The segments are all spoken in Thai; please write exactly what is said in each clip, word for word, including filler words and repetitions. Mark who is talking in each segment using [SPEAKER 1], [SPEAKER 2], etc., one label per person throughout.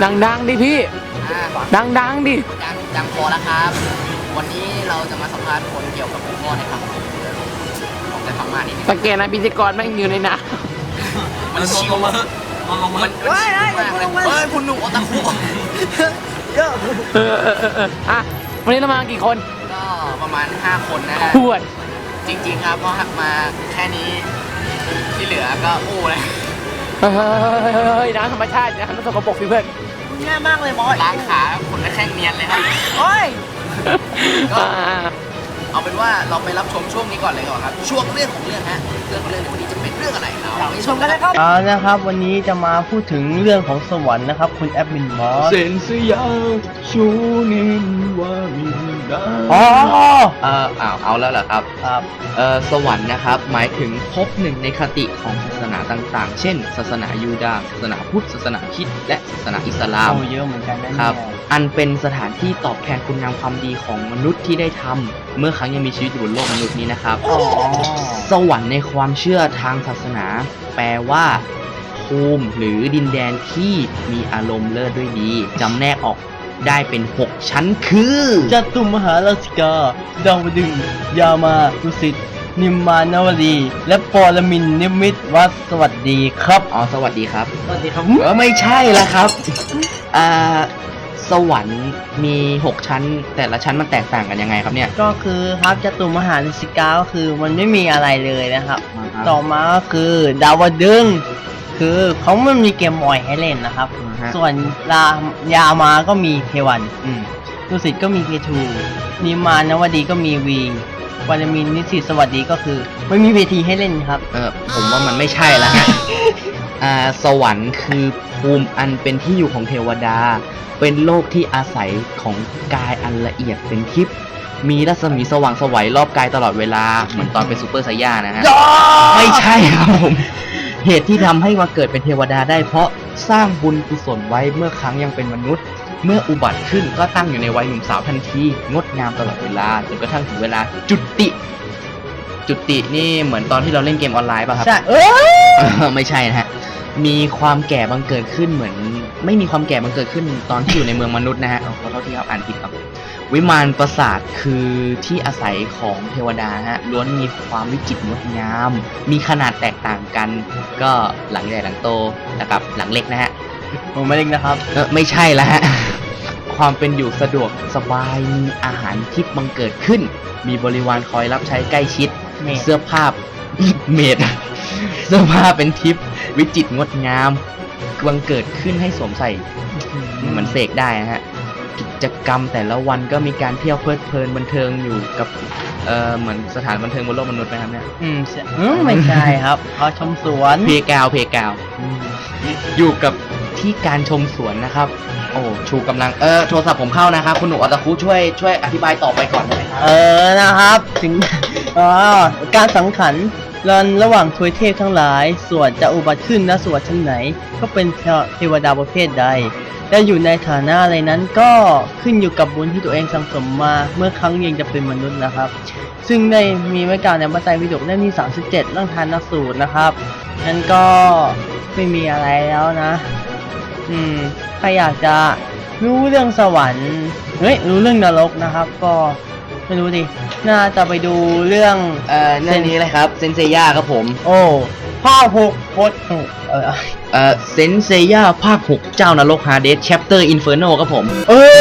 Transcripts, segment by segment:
[SPEAKER 1] ดังๆดิพี่ดังๆดิ
[SPEAKER 2] ดังดังพอแล้วครับวันนี้เราจะมาสัมภาษณ์คนเกี่ยวกับหัวข้อในคำของแต่ฟังมานิดนึง
[SPEAKER 1] สังเกตนะพิธีกรแม่งอยู่ในน้
[SPEAKER 2] ำมันชิวมากมันลงมามันชิวมากเลยเฮ้ยคุณหนุ่มโอตาคุเยอะ
[SPEAKER 1] เออเออเอออ่ะวันนี้เรามากี่คน
[SPEAKER 2] ก็ประมาณห้าคนนะฮะ
[SPEAKER 1] ขวด
[SPEAKER 2] จริงๆครับเพราะหักมาแค่นี้ที่เหลือก็อู้เลย
[SPEAKER 1] เฮ้ยน้ำธรรมชาตินะน้ำสกปรกสิเพื่อน
[SPEAKER 2] ง่ายมากเลยบอสล้างขาคนละแข้งเนียนเลยครับโอ้ยก็เอาเป็นว่าเราไปรับชมช่วงนี้ก่อนเลยก่อนครับช่วงเรื่องของเรื่องฮะเรื่องเรื่องในวันนี้จะเป็นเรื่องอะไรเราไปชมกันเลยครับ
[SPEAKER 3] อ่านะครับวันนี้จะมาพูดถึงเรื่องของสวรรค์นะครับคุณแอดมินมอส
[SPEAKER 1] เซนสยาชูนินวามินดา
[SPEAKER 3] อ๋อ
[SPEAKER 4] เอออ้าวเอาแล้วเหรอครับ
[SPEAKER 3] ครับ
[SPEAKER 4] เออสวรรค์นะครับหมายถึงภพหนึ่งในคติของศาสนาต่างๆเช่นศาสนายูดาห์ศาสนาพุทธศาสนาคริสต์และศาสนาอิสลาม
[SPEAKER 3] โอ้เยอะเหมือนกัน
[SPEAKER 4] นะครับอันเป็นสถานที่ตอบแทนคุณงามความดีของมนุษย์ที่ได้ทำเมื่อครั้งยังมีชีวิตอยู่บนโลกมนุษย์นี้นะครับสวรรค์ในความเชื่อทางศาสนาแปลว่าภูมิหรือดินแดนที่มีอารมณ์เลิศด้วยดีจำแนกออกได้เป็นหกชั้นคือ
[SPEAKER 3] จตุมหาราชิกาดาวดึงยามาดุสิตนิมมานาวดีและปรมินทร์นิมิตวัดสวัสดีครับ
[SPEAKER 4] อ๋อสวัสดีครับ
[SPEAKER 3] สวัสดีครับ
[SPEAKER 4] เออไม่ใช่ละครับอ่าสวรรค์มีหกชั้นแต่ละชั้นมันแตกต่างกันยังไงครับเนี่ย
[SPEAKER 3] ก็คือครับจตุมหาราชิกาก็คือมันไม่มีอะไรเลยนะครับต่อมาก็คือดาวดึงคือเขาไม่มีเกมบอยให้เล่นนะครับส่วนรายามาก็มีเควันดุสิตก็มีเคทูนิมานวดีก็มีวีวารมินนิสิตสวัสดีก็คือไม่มีเวทีให้เล่นครับ
[SPEAKER 4] เออผมว่ามันไม่ใช่แล้วฮะอ่าสวรรค์คือภูมิอันเป็นที่อยู่ของเทวดาเป็นโลกที่อาศัยของกายอันละเอียดเป็นทิพย์มีรัศมีสว่างไสวรอบกายตลอดเวลาเหมือนตอนเป็นซูเปอร์ไซย่านะฮะไม่ใช่ครับผมเหตุที่ทำให้มาเกิดเป็นเทวดาได้เพราะสร้างบุญกุศลไว้เมื่อครั้งยังเป็นมนุษย์เมื่ออุบัติขึ้นก็ตั้งอยู่ในวัยหนุ่มสาวทันทีงดงามตลอดเวลาจนกระทั่งถึงเวลาจุติจุตินี่เหมือนตอนที่เราเล่นเกมออนไลน์ป่ะครับ
[SPEAKER 3] ใช่เอ
[SPEAKER 4] อไม่ใช่นะฮะมีความแก่บังเกิดขึ้นเหมือนไม่มีความแก่บังเกิดขึ้นตอนที่อยู่ในเมืองมนุษย์นะฮะขอโทษที่ครับอ่านผิดครับวิมานปราสาทคือที่อาศัยของเทวดาฮะล้วนมีความวิจิตรงดงามมีขนาดแตกต่างกันก็หลังใหญ่หลังโตนะครับหลังเล็กนะฮะ
[SPEAKER 3] ผมไม่เล็กนะครับ
[SPEAKER 4] เออไม่ใช่ละฮะความเป็นอยู่สะดวกสบายมีอาหารทิพย์บังเกิดขึ้นมีบริวารคอยรับใช้ใกล้ชิดเสื้อผ้าเมดเสื้อผ้าเป็นทิพย์วิจิตรงดงามบังเกิดขึ้นให้สวมใส่เหมือนเสกได้นะฮะกิจกรรมแต่ละวันก็มีการเที่ยวเพลิดเพลินบันเทิงอยู่กับเอ่อเหมือนสถานบันเทิงบนโลกมนุษย์ไหมครับเนี่ย
[SPEAKER 3] อืมไม่ใช่ครับเขาชมสวน
[SPEAKER 4] เพกาวเพกาวอยู่กับที่การชมสวนนะครับโอ้ชูกำลังเออโทรศัพท์ผมเข้านะครับคุณหนูอัตคุช่วยช่วยอธิบายต่อไปก่อนได้ไหมครับ
[SPEAKER 3] เออนะครับถึงอ๋อการสังขารรันระหว่างทวยเทพทั้งหลายส่วนจะอุบัติขึ้นณสวรรค์ชั้นไหนก็เป็นเทวดาประเภทใดและอยู่ในฐานะอะไรนั้นก็ขึ้นอยู่กับบุญที่ตัวเองสั่งสมมาเมื่อครั้งยังจะเป็นมนุษย์นะครับซึ่งได้มีไว้กล่าวในพระไตรปิฎกเล่มที่สามสิบเจ็ดเรื่องทานสูตรนะครับนั้นก็ไม่มีอะไรแล้วนะอืมใครอยากจะรู้เรื่องสวรรค์เฮ้ยรู้เรื่องนรกนะครับก็ไม่รู้ดิน่าจะไปดูเรื่อง
[SPEAKER 4] เอ่อเรื่องนี้เลยครับเซนเซย่าครับผม
[SPEAKER 3] โอ้ภาคหกพดเออ
[SPEAKER 4] เอ่อเซนเซย่าภาคหกเจ้านรกฮาเดสแชปเตอร์อินเฟอร์โนครับผม
[SPEAKER 3] เออ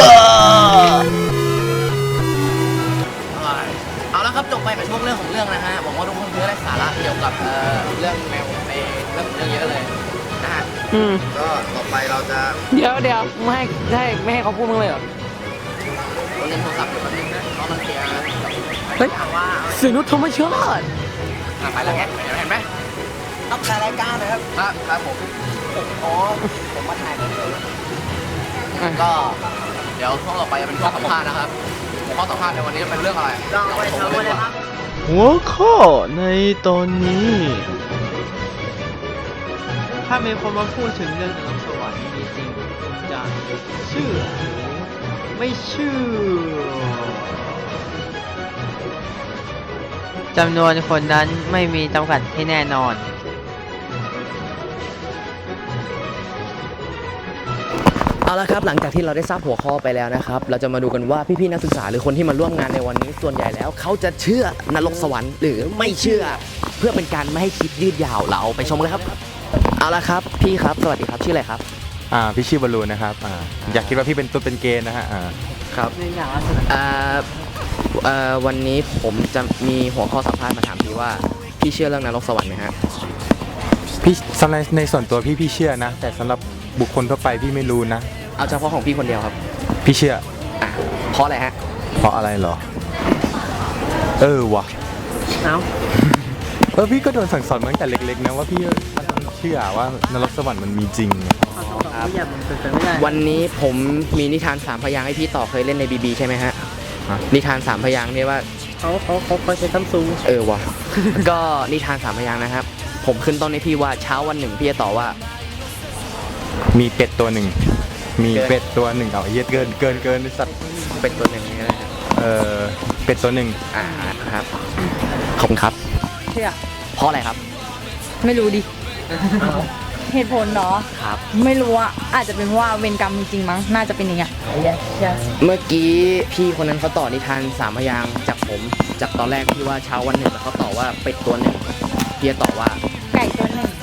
[SPEAKER 2] เอาละครับจบไปกับช่วงเรื่องของเรื่องนะฮะหวังว่าทุกคนจะได้สาระเกี่ยวกับเอ่อเรื่องแนวในเรื่องเรื่องเยอะเลยนะฮะ
[SPEAKER 1] อืม
[SPEAKER 2] ก็ต่อไปเราจะ
[SPEAKER 1] เดี๋ยวเดี๋ยวไม่ให้ให้ไม่ให้เขาพูดมึงเลยเหรอ
[SPEAKER 2] เราเล่นโทรศัพท์อยู่แป๊บนึงนะเพราะมันเสีย
[SPEAKER 1] เฮ้ยเสียงนุชธรรมชาติ
[SPEAKER 2] ไปแล้วแกเห็นไหมต้องการรายการนะครับครับครับผมอ๋อผมมาถ่ายกันก็เดี๋ยวช่วงต่อไปจะเป็นข้อสัมภาษณ์นะครับข้อสัมภาษณ์ในวันนี้จะเป็นเรื่องอะไรลองไปทำเลยครับ
[SPEAKER 5] หัวข้อในตอนนี้ถ้ามีคนมาพูดถึงเรื่องนรกสวรรค์มีจริงคุณจะเชื่อหรือไม่เชื่อ
[SPEAKER 3] จำนวนคนนั้นไม่มีจำกัดที่แน่นอน
[SPEAKER 2] เอเอาละครับหลังจากที่เราได้ทราบหัวข้อไปแล้วนะครับเราจะมาดูกันว่าพี่ๆนักศึกษาหรือคนที่มาร่วมงานในวันนี้ส่วนใหญ่แล้วเขาจะเชื่อนรกสวรรค์หรือไม่เชื่อ เพื่อเป็นการไม่ให้คลิปยืดยาวเราไปชมเลยครับเอาละครับพี่ครับสวัสดีครับชื่ออะไรครับ
[SPEAKER 6] อ่าพี่ชื่อบอลลูนนะครับอ่าอยากคิดว่าพี่เป็นตุ๊ดเป็นเกย์นะฮะอ่า
[SPEAKER 2] ครับอ่าเอ่อวันนี้ผมจะมีหัวข้อสัมภาษณ์มาถามพี่ว่าพี่เชื่อเรื่องนรกสวรรค์ไหมฮะ
[SPEAKER 6] พี่สำหรับในส่วนตัวพี่พี่เชื่อนะ แต่สำหรับบุคคลทั่วไปพี่ไม่รู้นะ
[SPEAKER 2] เอาเฉพาะของพี่คนเดียวครับ
[SPEAKER 6] พี่เชื่อ
[SPEAKER 2] อ่ะเพราะอะไรฮะ
[SPEAKER 6] เพราะอะไรเหรอ เออวะ
[SPEAKER 3] เอ้า
[SPEAKER 6] เออพี่ก็โดนสั่งสอนมาตั้งแต่เล็กๆนะว่าพี่ต้องเชื่อว่านรกสวรรค์มันมีจริง
[SPEAKER 3] ไม่อยากมันเป็นไปไม่ได้
[SPEAKER 2] วันนี้ผมมีนิทานสามพยางค์ให้พี่ต่อเคยเล่นในบีบีใช่ไหมฮะนิทานสามพยางค์เนี่ยว่า
[SPEAKER 3] เขาเขาเขาเขาใช้ซัมซุง
[SPEAKER 2] เออวะ ก็นิทานสามพยางค์นะครับ ผมขึ้นต้นให้พี่ว่าเช้าวันหนึ่งพี่จะตอบว่า
[SPEAKER 6] มีเป็ดตัวหนึ่ง มี
[SPEAKER 2] เกิน
[SPEAKER 6] เป็ดตัวหนึ่งเอาเหี้ยเกินเกินเกินไอ้สัตว์
[SPEAKER 2] เป็นตัวหนึ่งนี่ก็ได้ครับ
[SPEAKER 6] เออเป็ดตัวหนึ่ง
[SPEAKER 2] อ่าครับขอบคุณครับ
[SPEAKER 7] เชื่อ
[SPEAKER 2] เพราะอะไรครับ
[SPEAKER 7] ไม่รู้ดิ เหตุผลเนาะ
[SPEAKER 2] ครับ
[SPEAKER 7] ไม่รู้อะอาจจะเป็นเพราะว่าเวรกรรมมีจริงมั้ง น่าจะเป็นอย่างเงี้ย
[SPEAKER 2] เมื่อกี้พี่คนนั้นเขาต่อนิทานสามพยางค์จากผมจากตอนแรกที่ว่าเช้าวันหนึ่งแล้วเขาต่อว่าเป็ดตัวหนึ่งพี่จะตอบว่า
[SPEAKER 7] ไก่ตัวหนึ่ง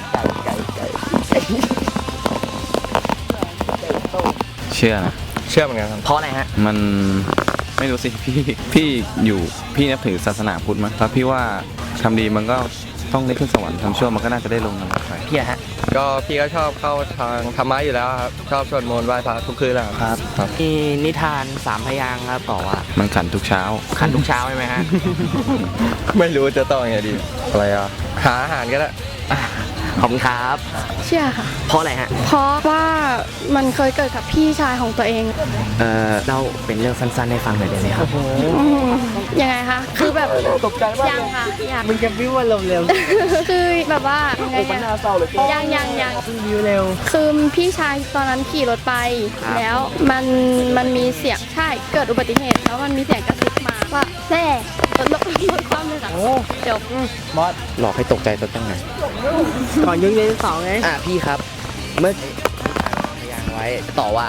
[SPEAKER 8] เชื่อนะเชื่อเหมือนกันครับ
[SPEAKER 2] เพราะอะไรฮะ
[SPEAKER 8] มันไม่รู้สิ พี่พี่อยู่พี่นับถือศาสนาพุทธมั้งแล้วพี่ว่าทำดีมันก็ต้องได้ขึ้นสวรรค์ทำชั่วมันก็น่าจะได้ลงนรกไป
[SPEAKER 2] พี่อะฮะ
[SPEAKER 9] ก็พี่ก็ชอบเข้าทางธรรมะอยู่แล้วครับ ชอบสวดมนต์ไหว้พระทุกคืนแล้วครับ
[SPEAKER 8] ครับ
[SPEAKER 2] มีนิทานสามพยางค์ครับต่อว่า
[SPEAKER 8] มันขันทุกเช้า
[SPEAKER 2] ขันทุกเช้าใช่ไหมฮะ
[SPEAKER 9] ไม่รู้จะต้องยังไงดี อะไรอ่ะ หาอาหารก็ได้
[SPEAKER 2] ขอบคุณครับ
[SPEAKER 10] เชื่อค่ะ
[SPEAKER 2] เพราะอะไรฮะ
[SPEAKER 10] เพราะว่ามันเคยเกิดกับพี่ชายของตัวเอง
[SPEAKER 2] เอ่อเล่าเป็นเรื่องสั้นๆให้ฟังหน่อยได้ไหมครับ
[SPEAKER 10] อืมยังไงคะ คือแบบตกใจมากยังค่ะยัง
[SPEAKER 3] มึงจะวิวว่าเร็วเร็ว
[SPEAKER 10] คือแบบว่ายังไงอะยังยังยัง
[SPEAKER 3] วิวเร็ว
[SPEAKER 10] คือพี่ชายตอนนั้นขี่รถไป แล้วมันมันมีเสียงใช่เกิดอุบัติเหตุแล้วมันมีเสียงกระซิบมาว่าแน่รถรถรถความเลยค่ะจบ
[SPEAKER 3] มอส
[SPEAKER 2] หลอกให้ตกใจตัวตั้งไง
[SPEAKER 3] ก่อนยุงเรียนสองไง
[SPEAKER 2] อ่ะพี่ครับ เมื่อพยางค์ไว้ต่อว่า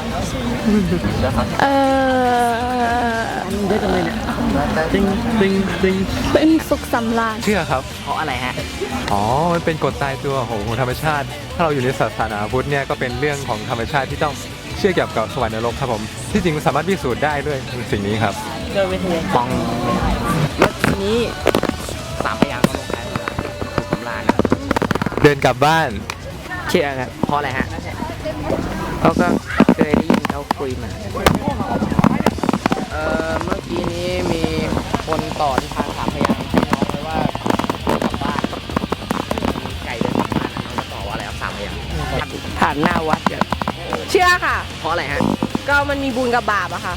[SPEAKER 10] เออ
[SPEAKER 3] เยอะจังเลยเนี่ยติงติงติง
[SPEAKER 10] เป็นสุขสำราญ
[SPEAKER 6] เชื่อครับ
[SPEAKER 2] เพราะอะไรฮะ
[SPEAKER 6] อ๋อ มันเป็นกฎตายตัวของของธรรมชาติ ถ้าเราอยู่ในศาสนาพุทธเนี่ยก็เป็นเรื่องของธรรมชาติที่ต้องเชื่อเกี่ยวกับสวรรค์นรกครับผม ที่จริงมันสามารถพิสูจน์ได้ด้วยสิ่งนี้ครับ
[SPEAKER 3] เดินไปเทียน
[SPEAKER 2] ปองเมื่อกี้นี้สามพยางค์ก็ลงท้ายด้วยสุขสำราญนะ
[SPEAKER 6] เดินกลับบ้าน
[SPEAKER 2] เชื่อครับเพราะอะไรฮะเขาก็เคยได้ยินเขาคุยมาเอ่อเมื่อกี้นี้มีคนต่อนิทานสามพยางค์ให้น้องไว้ว่าเดินกลับบ้านมีไก่เดินกลับบ้านนะน้องจะต่อว่าอะไรครับสามพยางค์
[SPEAKER 7] ผ่านหน้าวัดเยอะเชื่อค่ะ
[SPEAKER 2] เพราะอะไรฮะ
[SPEAKER 7] ก็มันมีบุญกับบาปอะค่ะ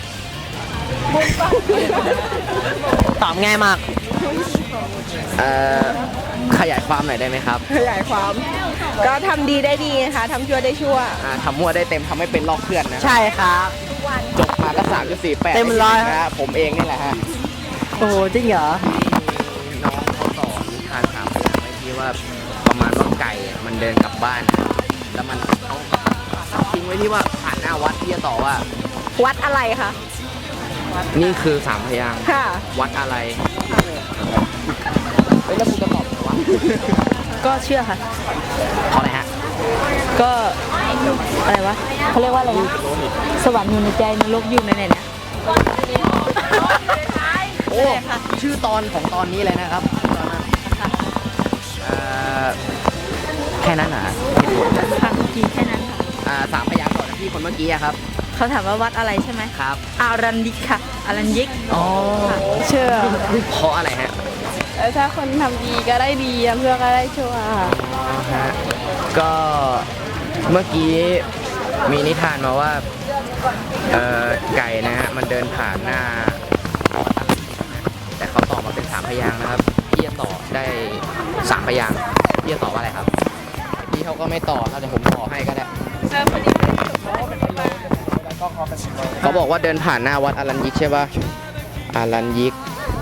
[SPEAKER 3] ตอบง่ายมาก
[SPEAKER 2] เอ่อขยายความหน่อยได้ไหมครับ
[SPEAKER 7] ขยายความ ก็ทำดีได้ดีนะคะทำชั่วได้ชั่ว
[SPEAKER 2] อ่าทำมั่วได้เต็มทำไม่เป็นลอกเพื่อนนะ
[SPEAKER 3] ใช่ครับ
[SPEAKER 2] จบมาก็สามจุดสี่แปด
[SPEAKER 3] เต็มร้อย
[SPEAKER 2] นะฮะผมเองนี่แหละฮะ
[SPEAKER 3] โอ้โหจริงเหรอ
[SPEAKER 2] ที่น้องเขาต่อนิทานสามพยางค์ไว้ที่ว่าประมาณว่าไก่อะมันเดินกลับบ้านนะแล้วมันเขาทิ้งไว้ที่ว่าผ่านหน้าวัดที่จะต่อว่า
[SPEAKER 7] วัดอะไรคะ
[SPEAKER 2] นี่คือสามพยางค์
[SPEAKER 7] ค่ะ
[SPEAKER 2] วัดอะไรเฮ้ยแล้วคุณจะตอบว่า
[SPEAKER 7] ก็เชื่อค่ะ
[SPEAKER 2] เพราะอะไรฮะ
[SPEAKER 7] ก็อะไรวะเขาเรียกว่าอะไรนะสวรรค์อยู่ในใจนรกอยู่ในไหนเนี่ย
[SPEAKER 2] โอ้ชื่อตอนของตอนนี้เลยนะครับตอนนั้นเอ่อแค่นั้นเหรอเหตุผลนะ
[SPEAKER 7] ค่ะทีแค่นั้นค่ะ
[SPEAKER 2] อ่าสามพยางค์ก่อนนะพี่คนเมื่อกี้อะครับ
[SPEAKER 7] เขาถามว่าวัดอะไรใช่ไหม
[SPEAKER 2] ครับ
[SPEAKER 7] อารันยิกค่ะ อารันยิก
[SPEAKER 2] อ๋อ
[SPEAKER 7] เชื่อ
[SPEAKER 2] เพราะอะไรฮะ
[SPEAKER 10] แล้วถ้าคนทำดีก็ได้ดีทำชั่วก็ได้ชั่ว
[SPEAKER 2] อ๋อฮะก็เมื่อกี้มีนิทานมาว่าเอ่อไก่นะฮะมันเดินผ่านหน้าแต่เขาตอบมาเป็นสามพยางค์นะครับพี่จะตอบได้สามพยางค์พี่จะตอบว่าอะไรครับพี่เขาก็ไม่ตอบครับเดี๋ยวผมตอบให้ก็ได้เขาบอกว่าเดินผ่านหน้าวัดอารันยิกใช่ป่ะอารันยิก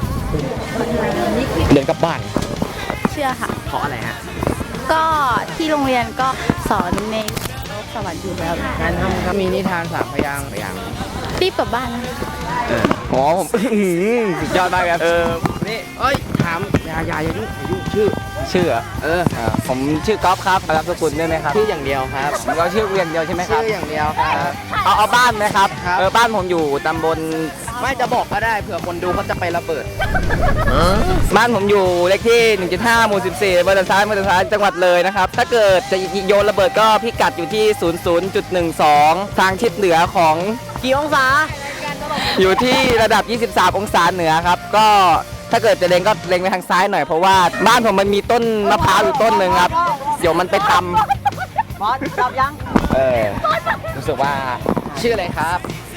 [SPEAKER 2] เดินกลับบ้าน
[SPEAKER 10] เชื่อค่ะ
[SPEAKER 2] เพราะอะไรฮะ
[SPEAKER 10] ก็ที่โรงเรียนก็สอนใน
[SPEAKER 7] สวรรค์อยู่แล้ว
[SPEAKER 2] งานทำครับมีนิทานสามพยางค์พยางค์
[SPEAKER 10] รีบกลับบ้านนะ
[SPEAKER 2] อ๋อผมสุดยอดมากครับเออนี่เอ้ยถามยายายายุ่งอย่ายุ่งชื่อชื่อเออผมชื่อก๊อฟครับรับสกุลได้ไหมครับชื่ออย่างเดียวครับเราชื่ออย่างเดียวใช่ไหมครับชื่ออย่างเดียวครับเอาเอาบ้านไหมครับเออบ้านผมอยู่ตำบลไม่จะบอกก็ได้เผื่อคนดูเขาจะไประเบิดบ้านผมอยู่เลขที่ หนึ่งจุดห้า หมู่ สิบสี่อำเภอด่านซ้ายอำเภอด่านซ้ายจังหวัดเลยนะครับถ้าเกิดจะโยนระเบิดก็พิกัดอยู่ที่ ศูนย์ ศูนย์ จุด หนึ่ง สอง ทางทิศเหนือของกี่องศาอยู่ที่ระดับ ยี่สิบสาม องศาเหนือครับก็ถ้าเกิดจะเล็งก็เล็งไปทางซ้ายหน่อยเพราะว่าบ้านผมมันมีต้นมะพร้าวอยู่ต้นหนึ่งครับเดี๋ยวมันไปตำบอสตอบยังเออรู้สึกว่าชื่ออะไรครับ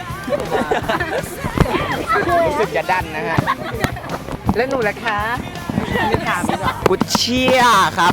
[SPEAKER 2] รู้สึกจะดันนะฮะแล้วหนูล่ะคะไม่ถามดีกว่ากูเชียร์ครับ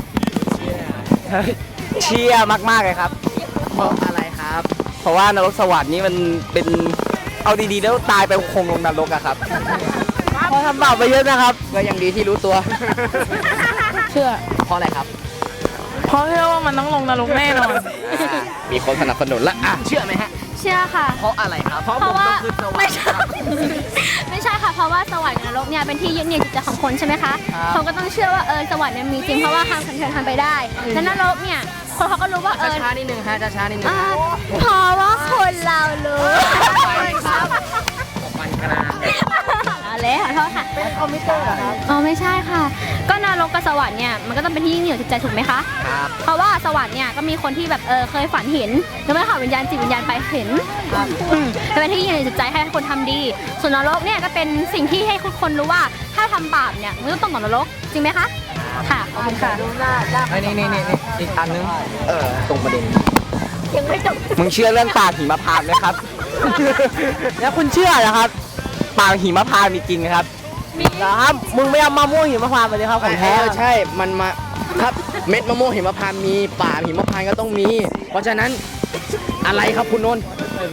[SPEAKER 2] เชียร์มากๆเลยครับเพราะอะไรครับ เพราะว่านรกสวรรค์นี่มันเป็นเอาดีๆแล้วตายไปคงลงนรกอะครับพอทำบาปไปเยอะนะครับก็ยังดีที่รู้ตัว
[SPEAKER 7] เชื่อ
[SPEAKER 2] เพราะอะไรครับ
[SPEAKER 7] เพราะเชื่อว่ามันต้องลงนรกแน่นอน
[SPEAKER 2] มีคนสนับสนุนละอ่ะเชื่อไหมฮะ
[SPEAKER 10] เชื่อค่ะ
[SPEAKER 2] เพราะอะไรครับเพราะ
[SPEAKER 10] เพ
[SPEAKER 2] ผม
[SPEAKER 10] ราะว่า
[SPEAKER 2] ต้องขึ้นสวรร
[SPEAKER 10] ไม่
[SPEAKER 2] ค์
[SPEAKER 10] ใช่ ไม่ใช่ค่ะ เพราะว่าสวรรค์กับนรกเนี่ยเป็นที่ยึดเหนี่ยวจิตใจของคนใช่ไหมคะ
[SPEAKER 2] ครับ
[SPEAKER 10] เขาก็ต้องเชื่อว่าเออสวรรค์เนี่ยมีจริงเพราะว่าทำคนเชิญทำไปได้แล้วนรกเนี่ยคนเขาก็รู้ว่าเออ
[SPEAKER 2] ช้านิดนึงฮะช้านิดนึง
[SPEAKER 10] อ่าเพราะว่าคนเรารู้
[SPEAKER 2] ครับมันกระดาษ
[SPEAKER 10] เอาเลยขอโทษค่ะเป็นคอมพิวเตอร์ครับอ๋อไม่ใช่ค่ะ ก็นรกกับสวรรค์เนี่ยมันก็ต้องเป็นที่ยึดเหนี่ยวจิตใจถูกไหมคะ
[SPEAKER 2] ครับ
[SPEAKER 10] เพราะว่าสวรรค์เนี่ยก็มีคนที่แบบเออเคยฝันเห็นยังไม่ได้ขอวิญญาณจิตวิญญาณไปเห็นอืมจะเป็นที่ยึดเหนี่ยวจิตใจให้คนทำดี ส่วนนรกเนี่ยก็เป็นสิ่งที่ให้คนรู้ว่าถ้าทำบาปเนี่ยมันก็ต้องตกนรกจริงไหมคะค่ะขอบคุณค่ะ
[SPEAKER 2] ไอ้นี่นี่นี่อีกอันนึงเออตรงประเด็น
[SPEAKER 10] ยังไม่จบ
[SPEAKER 2] มึงเชื่อเรื่องปากหิมพานต์ไหมครับ แล้วคุณเชื่อเหรอครับปากหิมพานต์มีจริงครับมีครับมึงไม่เอามะม่วงหิมพานต์มาเลยครับของแท้ใช่มันมาครับเม็ดมะม่วงหิมพานต์มีป่าหิมพานต์ก็ต้องมี เพราะฉะนั้นอะไรครับคุณนนท์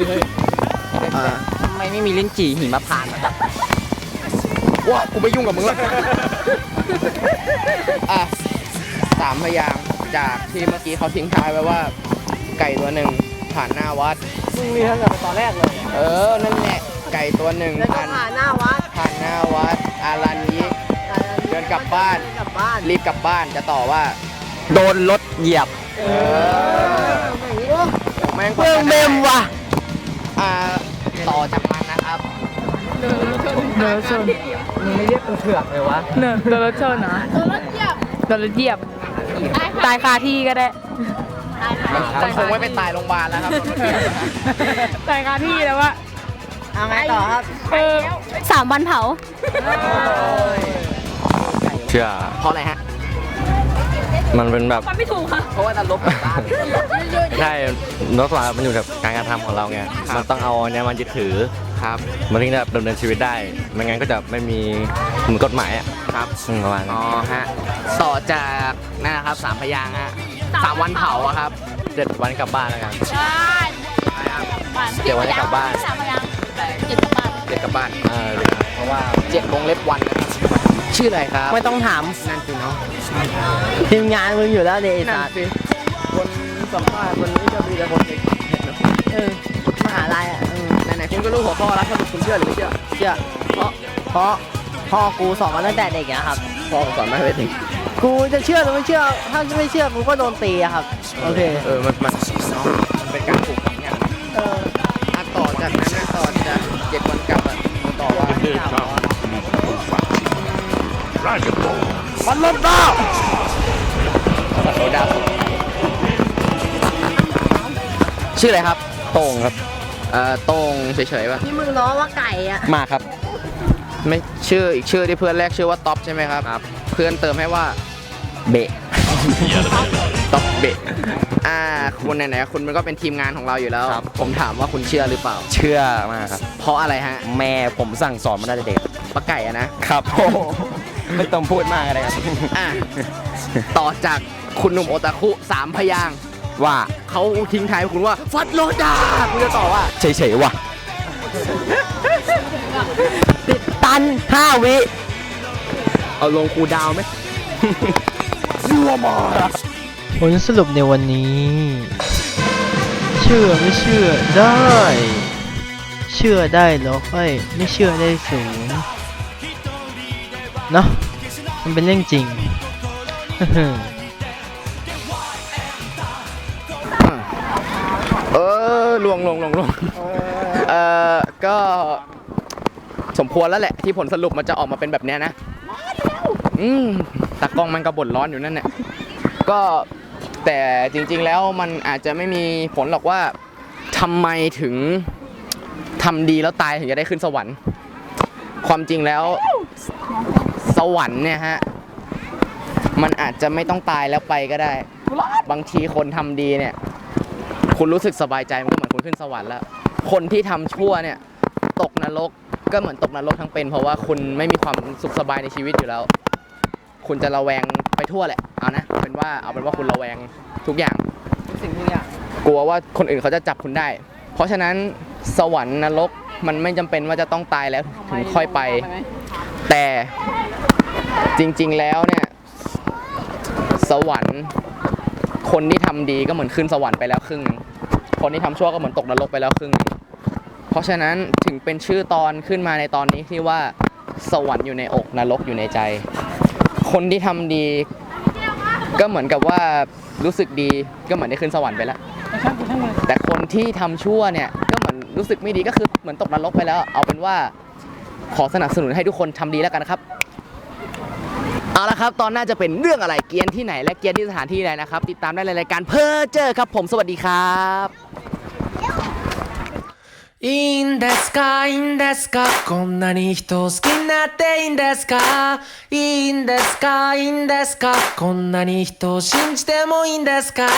[SPEAKER 2] ทำไมไม่มีลิ้นจี่หิมพานต์อะว้ากูไม่ยุ่งกับมึงแล้วอ่ะสามพยางค์จากที่เมื่อกี้เขาทิ้งท้ายไว้ว่า ไก่ตัวหนึ่งผ่านหน้าวัดมึงมีทั้งแต่ตอนแรกเลยเออนั่นแหละไก่ตัวหนึ่งผ่านผ่านหน้าวัดผ่านหน้าวัดอารันยิกเดินกลับบ้านรีบกลับบ้านจะต่อว่า โดนรถเหยียบเออแม่งเพิ่งเมมว่ะอ่าต่อจากมันนะครับเดินรถชนเดินรถชนมึงไม่เรียกกูเถื่อนเลยวะ
[SPEAKER 7] เนอะโดนรถชนนะโดนรถเหยียบโดนรถเหยียบตายคาที่ก็ได้
[SPEAKER 2] มันคงไม่ไปตายโรงพยาบาลแล้วครับ
[SPEAKER 7] ตายคาที่แล้ววะ
[SPEAKER 2] เอาไงต่อครับ
[SPEAKER 7] เออ
[SPEAKER 10] สามวันเผา
[SPEAKER 8] เชื่อ
[SPEAKER 2] เพราะอะไรฮะ
[SPEAKER 8] มันเป็นแบบ
[SPEAKER 7] มันไม่ถูกค่ะ
[SPEAKER 2] เพราะว่านรกกับบ้าน
[SPEAKER 8] ใช่นรกสวรรค์มันอยู่กับการกระทำของเราไงมันต้องเอาเนี่ยมันยึดถือ
[SPEAKER 2] ครับ
[SPEAKER 8] มันถึงจะดำเนินชีวิตได้ไม่งั้นก็จะไม่มีเหมือนกฎหมายอ่ะ
[SPEAKER 2] ครับ
[SPEAKER 8] อืมประมาณนั้
[SPEAKER 2] อ๋
[SPEAKER 8] น
[SPEAKER 2] อฮะ ต่อจากนั่นนะครับสามพยางค์ฮะสามวันเผาอะครับ
[SPEAKER 8] เจ็ดวันกลับบ้านแล้วกัน
[SPEAKER 10] ใช่
[SPEAKER 8] เจ็ดวันกลับบ้าน
[SPEAKER 10] สามพยางค์เจ็ดกลับบ้าน
[SPEAKER 2] เจ็ดกลับบ้าน
[SPEAKER 8] เออเพราะว่า
[SPEAKER 2] เจ็ดวงเล็บวันนะครับชื่ออะไรครับ
[SPEAKER 3] ไม่ต้องถาม
[SPEAKER 2] นั่นสิเนาะ
[SPEAKER 3] ทีมงานมึงอยู่แล้วเดช
[SPEAKER 2] นั่
[SPEAKER 3] ศาน สตร์
[SPEAKER 2] สิคนสัมภาษณ์วันนี้จะมีแต่คนเด็ก
[SPEAKER 3] เออมหาลัยอ่ะเออ
[SPEAKER 2] ไหนๆคุณก็รู้หัวข้อแล้วสรุปคุณเชื่อหรือไม่เชื่อ
[SPEAKER 3] เชื่อเพราะเพราะพ่อกูสอนมาตั้งแต่เด็กอะครับ
[SPEAKER 2] พ่อผมสอนมาให้เด็ก
[SPEAKER 3] กูจะเชื่อหรือไม่เชื่อ ถ้าไม่เชื่อกูก็โดนตีอะครับ โอเค
[SPEAKER 2] เออมันมันเนาะมันเป็นการปลูกฝังอย่าง
[SPEAKER 3] เออ
[SPEAKER 2] อ่ะต่อจากนั้นนะต่อจากเจ็ดวันกลับอ่ะต่อว่ามันลดดาวลดดาวชื่ออะไรครับ
[SPEAKER 8] โต้งครับ
[SPEAKER 2] เอ่อโต้งเฉยๆป่ะ
[SPEAKER 3] ที่มึงล้อว่าไก่อะ
[SPEAKER 8] มาครับ
[SPEAKER 2] ไม่ชื่ออีกชื่อที่เพื่อนแรกชื่อว่าท็อปใช่ไหมครับครับ เพื่อนเติมให้ว่า
[SPEAKER 8] เบะ
[SPEAKER 2] ท็อปเบะอ่าคุณไหนๆคุณมันก็เป็นทีมงานของเราอยู่แล้ว ผมถามว่าคุณเชื่อหรือเปล่า
[SPEAKER 8] เชื่อมากครับ
[SPEAKER 2] เพราะอะไรฮะ
[SPEAKER 8] แม่ผมสั่งสอนมาตั้งแต่เด็ก
[SPEAKER 2] ปลาไก่อะนะครับ
[SPEAKER 8] ไม่ต้องพูดมากอะไรครับ
[SPEAKER 2] อ่ะต่อจากคุณหนุ่มโอตาคุสามพยางค์
[SPEAKER 8] ว่า
[SPEAKER 2] เขาทิ้งท้ายคุณว่าฟัดโลดาคุณจะตอบว่า
[SPEAKER 8] เฉยๆว่ะ
[SPEAKER 3] ติดตันห้าวิ
[SPEAKER 2] เอาลงคูลดาวน์ไหม
[SPEAKER 3] ผลสรุปในวันนี้ชื่อไม่เชื่อได้ เชื่อได้เหรอค่อยไม่เชื่อได้สูงเนาะมันเป็นเรื่องจริง
[SPEAKER 2] เออลวงลวงลวงลวงเออก็สมควรแล้วแหละที่ผลสรุปมันจะออกมาเป็นแบบเนี้ยนะอืมตากล้องมันก็บ่นร้อนอยู่นั่นแหละก็แต่จริงๆแล้วมันอาจจะไม่มีผลหรอกว่าทำไมถึงทำดีแล้วตายถึงจะได้ขึ้นสวรรค์ความจริงแล้วสวรรค์เนี่ยฮะมันอาจจะไม่ต้องตายแล้วไปก็ได้บางทีคนทำดีเนี่ยคุณรู้สึกสบายใจมันก็เหมือนคุณขึ้นสวรรค์แล้วคนที่ทำชั่วเนี่ยตกนรกก็เหมือนตกนรกทั้งเป็นเพราะว่าคุณไม่มีความสุขสบายในชีวิตอยู่แล้วคุณจะระแวงไปทั่วแหละเอานะเป็นว่าเอาเป็นว่าคุณระแวงทุกอย่างสิ่งทุกอย่างกลัวว่าคนอื่นเขาจะจับคุณได้เพราะฉะนั้นสวรรค์นรกมันไม่จำเป็นว่าจะต้องตายแล้วถึงค่อยไปแต่จริงๆแล้วเนี่ยสวรรค์คนที่ทำดีก็เหมือนขึ้นสวรรค์ไปแล้วครึ่งนึงคนที่ทำชั่วก็เหมือนตกนรกไปแล้วครึ่งนึงเพราะฉะนั้นถึงเป็นชื่อตอนขึ้นมาในตอนนี้ที่ว่าสวรรค์อยู่ในอกนรกอยู่ในใจคนที่ทำดีก็เหมือนกับว่ารู้สึกดีก็เหมือนได้ขึ้นสวรรค์ไปแล้วแต่คนที่ทำชั่วเนี่ยก็เหมือนรู้สึกไม่ดีก็คือเหมือนตกนรกไปแล้วเอาเป็นว่าขอสนับสนุนให้ทุกคนทำดีแล้วกันนะครับเอาละครับตอนหน้าจะเป็นเรื่องอะไรเกียนที่ไหนและเกียนที่สถานที่ไหนนะครับติดตามได้ในรายการเพ้อเจอครับผมสวัสดีครับ
[SPEAKER 11] いいんですかいいんですかこんなに人を好きになっていいんですかいいんですかいいんですかこんなに人を信じてもいいんですか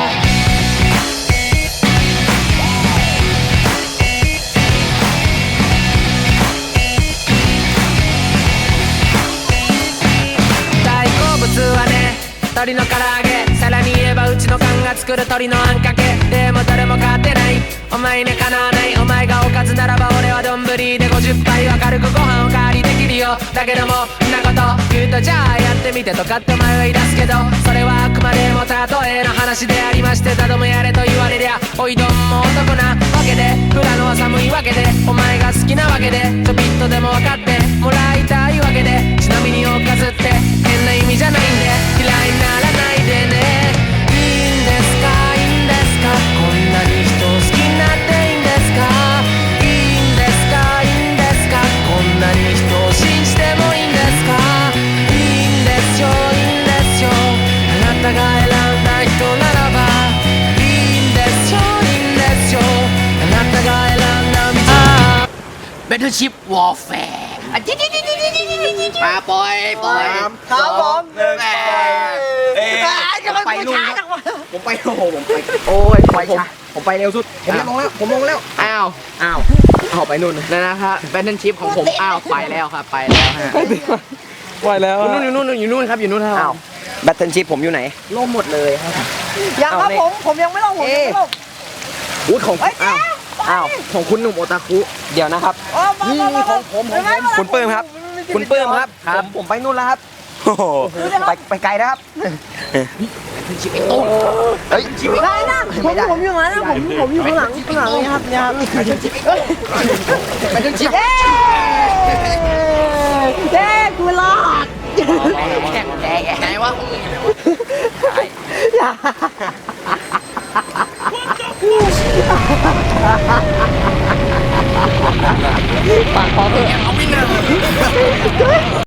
[SPEAKER 11] 大好物はね鶏の唐揚げさらに言えばうちの缶が作る鶏のあんかけでも誰も買ってないお前にかなわないお前がおかずならば俺は丼でごじゅっぱいは軽くご飯おかわりできるよだけどもんなこと言うとじゃあやってみてとかってお前は言い出すけどそれはあくまでも例えの話でありましてたどもやれと言われりゃおいどんも男なわけで富良野は寒いわけでお前が好きなわけでちょびっとでも分かってもらいたいわけでちなみにおかずって変な意味じゃないんで嫌いにならないでねいいんですかいいんですかこんなに人を好きになっていいんですかいいんですかいいんですかこんなに人を信じてもいいんですかいいんですよいいんですよあなたが選んだ人ならばいいんですよいいんですよあなたが選んだ道Battleship Warfare มาปล่อยปล่อยครับผมหนึ่งเอ๊ะไปลุงผมไปโอ้โหผมไปโอ้ยไปช้าผมไปเร็วสุดผมลงแล้วผมลงแล้วอ้าวอ้าวเอาไปนู่นนั่นนะครับแบทเทิลชิพของผมอ้าวไปแล้วครับไปแล้วฮะ
[SPEAKER 1] ไปแล้ว
[SPEAKER 11] อยู่นู่นอยู่นู่นอยู่นู่นครับอยู่นู่นครับอ้าวแบทเทิลชิพผมอยู่ไหนล่มหมดเลยครับ
[SPEAKER 2] ยังครับผมผมยังไม่ลงผมยังไม่ลงอุ้ยของอ้าวอ้าวของคุณหนุ่มโอตาคุเดี๋ยวนะครับนี่ของผมของผมคุณปื้มครับคุณปื้มครับผมผมไปนู่นแล้วครับโอ้โหไปไปไกลนะครับชิบไอ้ตู้เฮ้ยชิบได้นะผมผมอยู่งั้นนะผมผมอยู่ข้างหลังข้างหลังนี่ครับเนี่ยครับไปจนชิบไปจนชิบเย้เย้กูรอดแข่งแข่งไงวะปากคอเถอะเอาวิ่งเลย